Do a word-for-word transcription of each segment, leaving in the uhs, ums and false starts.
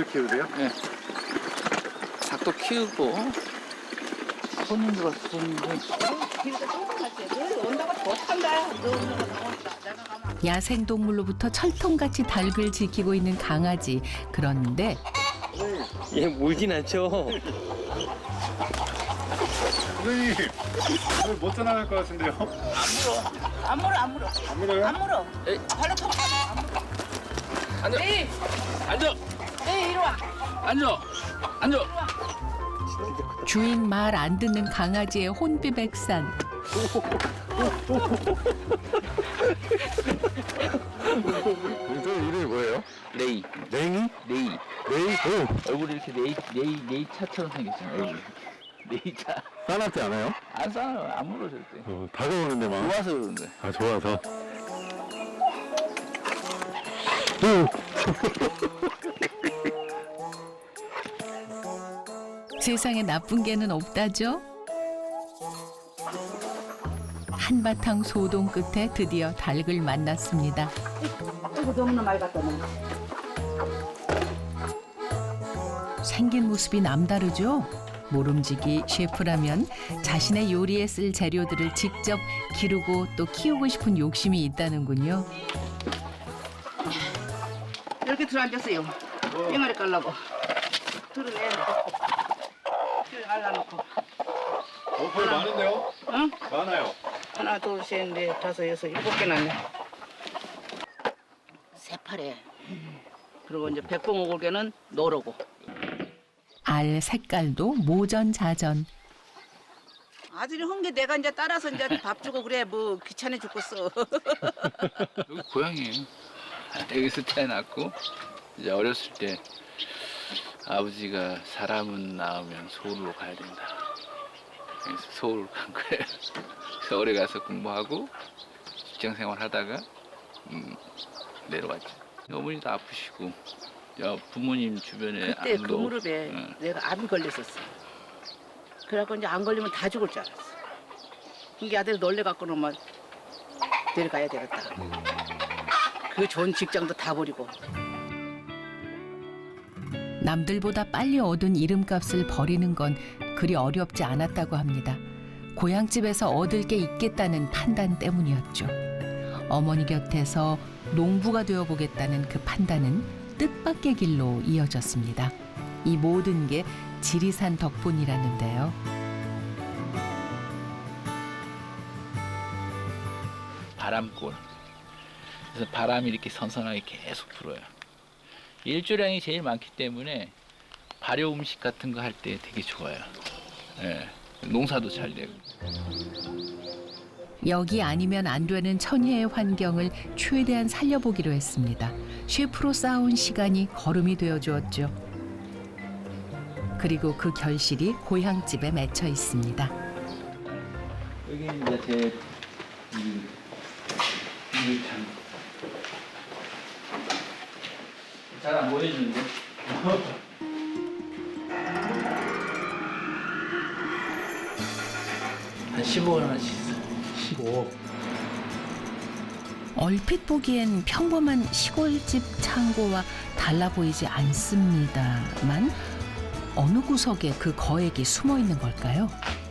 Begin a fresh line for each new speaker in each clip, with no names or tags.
닭을 키우세요?
네. 닭도 키우고 손님들 와서 손님들.
야생동물로부터 철통같이 닭을 지키고 있는 강아지. 그런데
얘 물진 않죠.
선생님, 오늘 못 전화할 것 같은데요?
안 물어, 안 물어.
안 물어요?
안 물어.
에이.
발로 타고 안 물어.
앉아.
에이,
앉아.
에이, 이리 와.
앉아. 앉아.
주인 말 안 듣는 강아지의 혼비백산.
선생님 이름이 뭐예요?
레이.
냉이?
레이.
레이? 오!
얼굴이 이렇게 레이 레이 레이 차처럼 생겼잖아. 얼굴. 레이 차.
싸납지 않아요?
안 싸요. 안 물어 절대.
어, 다가오는데 막.
좋아서 그런 거야.
아, 좋아서. 오!
세상에 나쁜 개는 없다죠. 한바탕 소동 끝에 드디어 닭을 만났습니다.
이거 너무나 많이 갖다 놓은
생긴 모습이 남다르죠. 모름지기 셰프라면 자신의 요리에 쓸 재료들을 직접 기르고 또 키우고 싶은 욕심이 있다는군요.
이렇게 들어앉았어요. 뺑아리 깔라고. 들어내. 줄 갈라놓고.
어, 거의 많은데요?
응?
많아요.
하나, 둘, 셋, 넷, 다섯, 여섯, 일곱 개 났네. 새파래. 그리고 이제 백봉오골개는 노르고.
알 색깔도 모전자전.
아들이 한 게 내가 이제 따라서 이제 밥 주고 그래 뭐 귀찮아 죽겠어.
여기 고향이에요. 여기서 태어났고 이제 어렸을 때 아버지가 사람은 낳으면 서울로 가야 된다. 그래서 서울 간 거예요. 서울에 가서 공부하고 직장 생활하다가 음, 내려왔죠. 어머니도 아프시고 야, 부모님 주변에
그때 그
아무도
무릎에
없- 응.
내가 암이 걸렸었어. 그래갖고 이제 안 걸리면 다 죽을 줄 알았어. 이게 아들이 놀래갖고는 막 내려가야 되겠다. 그 좋은 직장도 다 버리고.
남들보다 빨리 얻은 이름값을 버리는 건 그리 어렵지 않았다고 합니다. 고향집에서 얻을 게 있겠다는 판단 때문이었죠. 어머니 곁에서 농부가 되어보겠다는 그 판단은 뜻밖의 길로 이어졌습니다. 이 모든 게 지리산 덕분이라는데요.
바람골. 그래서 바람이 이렇게 선선하게 계속 불어요. 일조량이 제일 많기 때문에 발효 음식 같은 거 할 때 되게 좋아요. 예, 농사도 잘 되고.
여기 아니면 안 되는 천혜의 환경을 최대한 살려보기로 했습니다. 셰프로 쌓아온 시간이 걸음이 되어 주었죠. 그리고 그 결실이 고향집에 맺혀 있습니다.
여기 이제 제 이참 잘 안 보여주는데. 한 십오 원 하나씩 있어요.
십오.
얼핏 보기엔 평범한 시골집 창고와 달라 보이지 않습니다만 어느 구석에 그 거액이 숨어 있는 걸까요?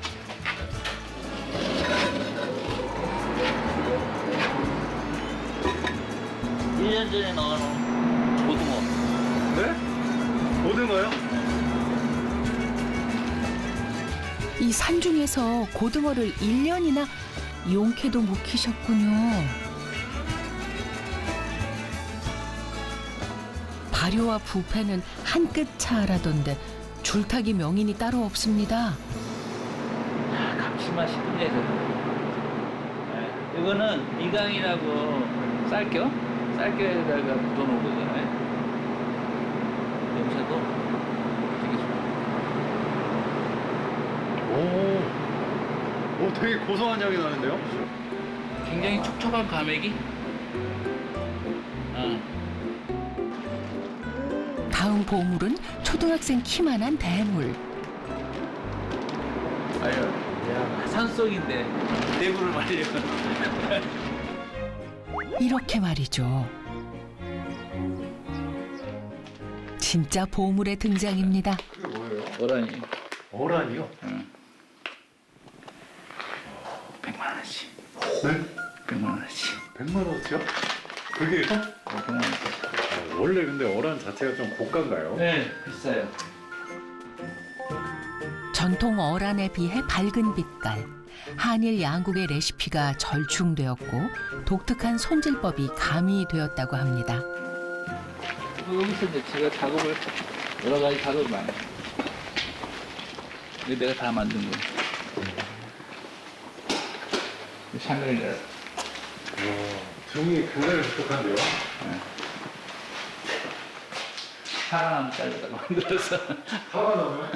일 년 전에 넣어놓은 고등어.
네? 고등어요?
이 산중에서 고등어를 일 년이나 용케도 못 키셨군요. 발효와 부패는 한 끗 차라던데 줄타기 명인이 따로 없습니다.
아, 감칠맛이 끝내줘. 네, 이거는 미강이라고 쌀겨? 쌀겨에다가 묻어놓은 거잖아요. 냄새도 되게 좋아요.
오. 오, 되게 고소한 향이 나는데요?
굉장히 촉촉한 과메기? 어.
다음 보물은 초등학생 키만한 대물.
아유, 야, 산속인데 대구를 말려.
이렇게 말이죠. 진짜 보물의 등장입니다.
그게 뭐예요?
어란이
어란이요?
백만 원씩.
네?
백만 원씩.
백만 원어치요? 그게요?
어, 백만 원씩.
아, 원래 근데 어란 자체가 좀 고가인가요?
네, 비싸요.
전통 어란에 비해 밝은 빛깔. 한일 양국의 레시피가 절충되었고 독특한 손질법이 가미되었다고 합니다.
여기서 이제 제가 작업을 여러 가지 작업을 많이 해요. 이거 내가 다 만든 거예요. 샹그릴라.
와, 종이 굉장히 독특한데요?
사과나무 자르다가 만들어서.
화가 나면?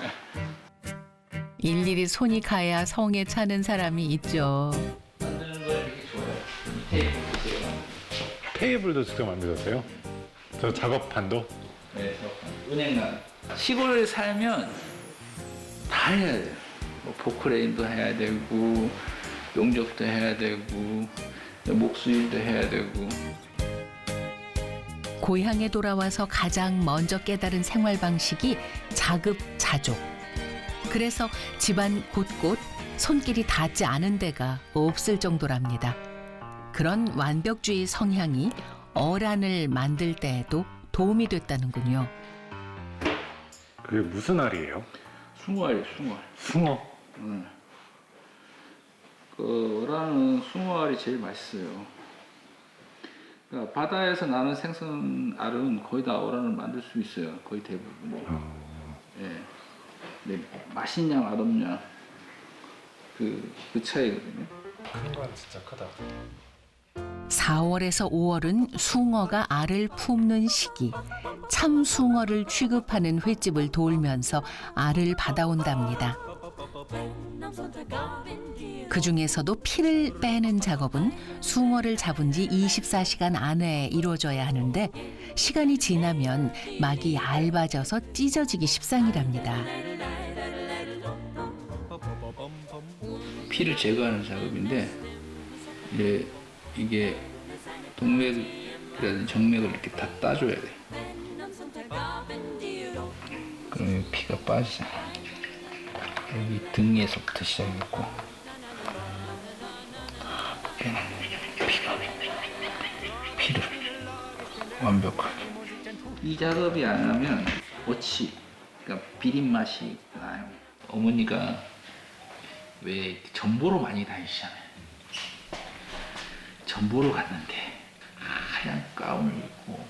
일일이 손이 가야 성에 차는 사람이 있죠.
만드는 거 이렇게 좋아요. 이 테이프 보세요.
테이블도 직접 만드셨어요? 저 작업판도?
네, 저 은행난. 시골에 살면 다 해야 돼요. 뭐 포크레인도 해야 되고, 용접도 해야 되고, 목수일도 해야 되고.
고향에 돌아와서 가장 먼저 깨달은 생활 방식이 자급자족. 그래서 집안 곳곳 손길이 닿지 않은 데가 없을 정도랍니다. 그런 완벽주의 성향이 어란을 만들 때에도 도움이 됐다는군요.
그게 무슨 알이에요?
숭어알이에요, 숭어알.
숭어.
응. 그 어란은 숭어알이 제일 맛있어요. 그러니까 바다에서 나는 생선알은 거의 다 어란을 만들 수 있어요. 거의 대부분.
어...
예. 네, 맛있냐 맛없냐 그, 그 차이거든요.
큰 건 진짜 크다.
사월에서 오월은 숭어가 알을 품는 시기. 참숭어를 취급하는 횟집을 돌면서 알을 받아온답니다. 그중에서도 피를 빼는 작업은 숭어를 잡은 지 이십사 시간 안에 이루어져야 하는데 시간이 지나면 막이 얇아져서 찢어지기 십상이랍니다.
피를 제거하는 작업인데 이제 이게 동맥이라든지 정맥을 이렇게 다 따줘야 돼. 그러면 피가 빠지잖아. 여기 등에서부터 시작했고 빼는 피가 피를 완벽하게. 이 작업이 안 하면 어치, 그러니까 비린 맛이 나요. 어머니가 왜 전보로 많이 다니시잖아요. 전보로 갔는데 하얀 가운을 입고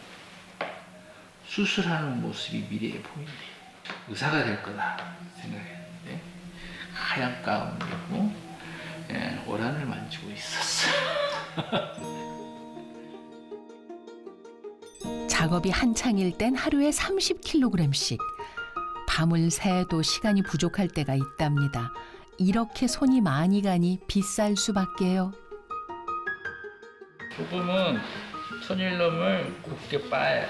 수술하는 모습이 미래에 보인대요. 의사가 될 거다 생각했는데 하얀 가운을 입고 예, 어란을 만지고 있었어요.
작업이 한창일 땐 하루에 삼십 킬로그램씩. 밤을 새도 시간이 부족할 때가 있답니다. 이렇게 손이 많이 가니 비쌀 수밖에요.
조금은 천일염을 곱게 빻아요.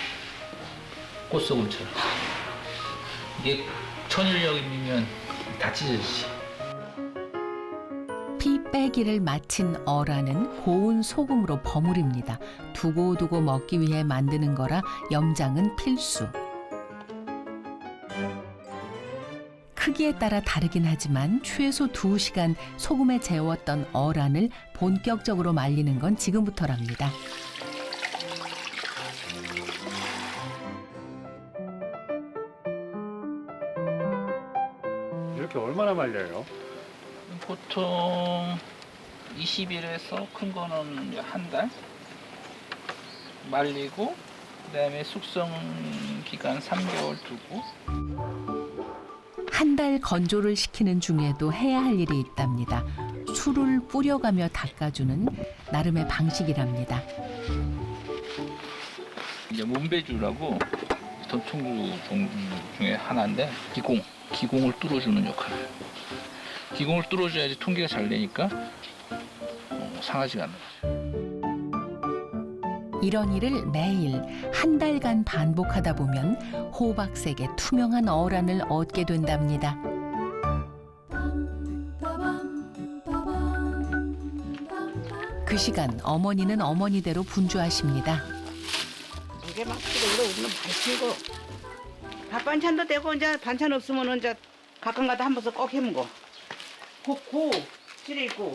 꽃소금처럼. 이게 천일염이면 다 찢어지지.
피 빼기를 마친 어란은 고운 소금으로 버무립니다. 두고두고 먹기 위해 만드는 거라 염장은 필수. 크기에 따라 다르긴 하지만 최소 두 시간 소금에 재웠던 어란을 본격적으로 말리는 건 지금부터랍니다.
이렇게 얼마나 말려요?
보통 이십 일에서 큰 거는 한 달 말리고 그다음에 숙성 기간 삼 개월 두고.
한 달 건조를 시키는 중에도 해야 할 일이 있답니다. 술을 뿌려가며 닦아주는 나름의 방식이랍니다.
이제 문배주라고 전통주 종류 중에 하나인데 기공, 기공을 뚫어주는 역할을. 기공을 뚫어줘야지 통기가 잘 되니까 어, 상하지가 않는 거죠.
이런 일을 매일 한 달간 반복하다 보면 호박색의 투명한 어란을 얻게 된답니다. 그 시간 어머니는 어머니대로 분주하십니다.
이게 막 이거 우리는 맛있는 거 밥 반찬도 되고 이제 반찬 없으면은 이제 가끔가다 한 번씩 꼭 해먹어. 국고 찌려 있고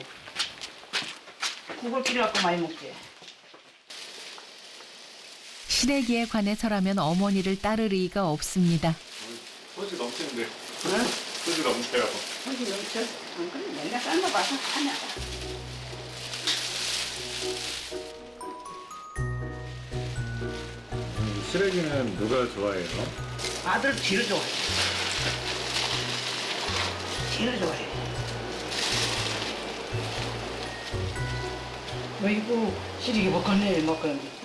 국을 끓여갖고 많이 먹지.
시래기에 관해서라면 어머니를 따를 의의가 없습니다.
소주 넘치는데.
응?
소주 넘쳐요.
소주 넘쳐? 응, 그래 맨날 삶아 봐서 하냐.
시래기는 누가 좋아해요?
아들 제일 좋아해. 제일 좋아해. 어이구 시래기 먹겠네 먹겠네.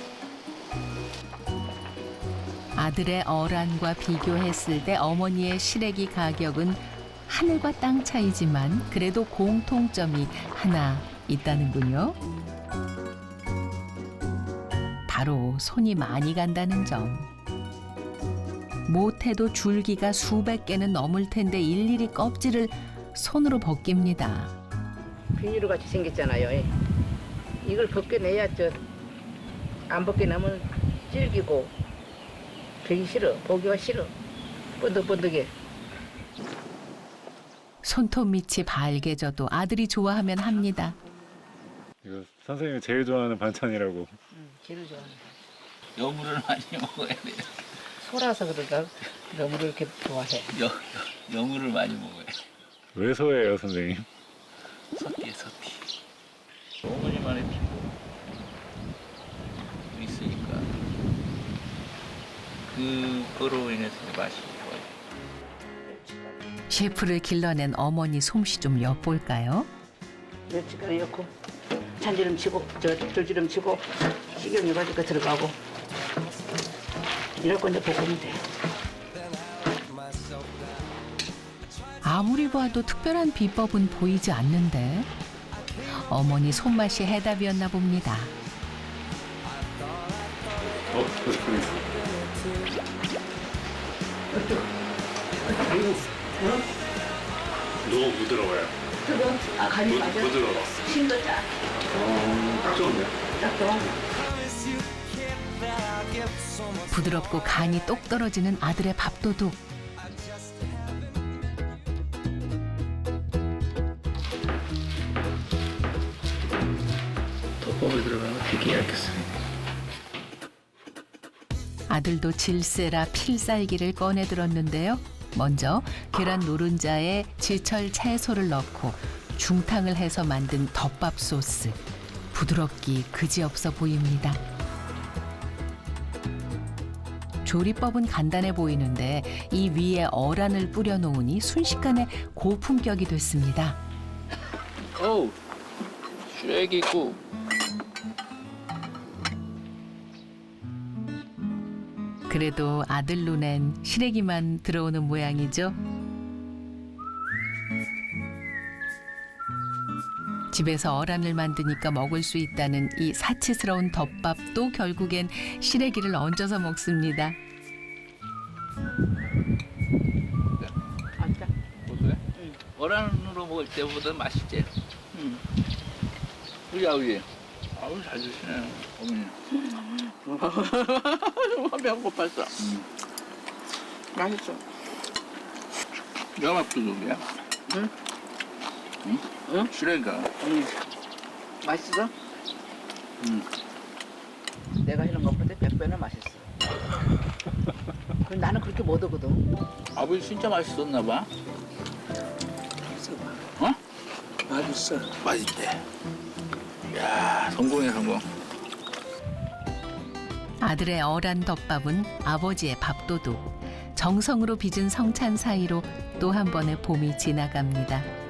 아들의 어란과 비교했을 때 어머니의 시래기 가격은 하늘과 땅 차이지만 그래도 공통점이 하나 있다는군요. 바로 손이 많이 간다는 점. 못해도 줄기가 수백 개는 넘을 텐데 일일이 껍질을 손으로 벗깁니다.
비닐로 같이 생겼잖아요. 이걸 벗겨내야 저 안 벗겨내면 질기고 되기 싫어. 보기가 싫어. 번득번득해.
손톱 밑이 발개져도 아들이 좋아하면 합니다.
이거 선생님이 제일 좋아하는 반찬이라고.
응, 제일 좋아하는 거.
여물을 많이 먹어야 돼요.
소라서 그런가? 너무 이렇게 좋아해.
여, 여, 여물을 많이 먹어요.
왜 소예요, 선생님?
서티에 서티. 어머니만의 피부 있으니까 그거로 인해서 맛이 좋아요.
셰프를 길러낸 어머니 솜씨 좀 엿볼까요?
멸치가루 넣고 참기름 치고 저 들기름 치고 식용유 가지고 들어가고 이럴 건데 볶으면 돼.
아무리 봐도 특별한 비법은 보이지 않는데 어머니 손맛이 해답이었나 봅니다.
어, 선생님. 너무 부드러워요.
뜨거? 아 간이 맞아?
부드러워.
신도 짜.
어, 딱 좋은데?
딱 좋아.
부드럽고 간이 똑 떨어지는 아들의 밥도둑.
덮밥에 들어가면 되게 얇겠습니다.
아들도 질세라 필살기를 꺼내 들었는데요. 먼저 계란 노른자에 지철 채소를 넣고 중탕을 해서 만든 덮밥 소스. 부드럽기 그지없어 보입니다. 조리법은 간단해 보이는데 이 위에 어란을 뿌려 놓으니 순식간에 고품격이 됐습니다.
어우, 쉐기국.
그래도 아들 눈엔 시래기만 들어오는 모양이죠. 집에서 어란을 만드니까 먹을 수 있다는 이 사치스러운 덮밥도 결국엔 시래기를 얹어서 먹습니다.
안 짜.
고소해? 응. 어란으로 먹을 때보다 맛있지? 응. 우리 아버지. 아우, 잘 드시네, 어머니.
배고팠어.
응.
맛있어.
영합도둑이야.
응?
응?
응?
시래기가.
응. 맛있어?
응.
내가 이런 것보다 백 배나 맛있어. 그 나는 그렇게 못 하거든.
아버지 진짜 맛있었나 봐.
맛있어.
어?
맛있어.
맛있대. 야, 성공이야, 성공.
아들의 어란 덮밥은 아버지의 밥도둑. 정성으로 빚은 성찬 사이로 또 한 번의 봄이 지나갑니다.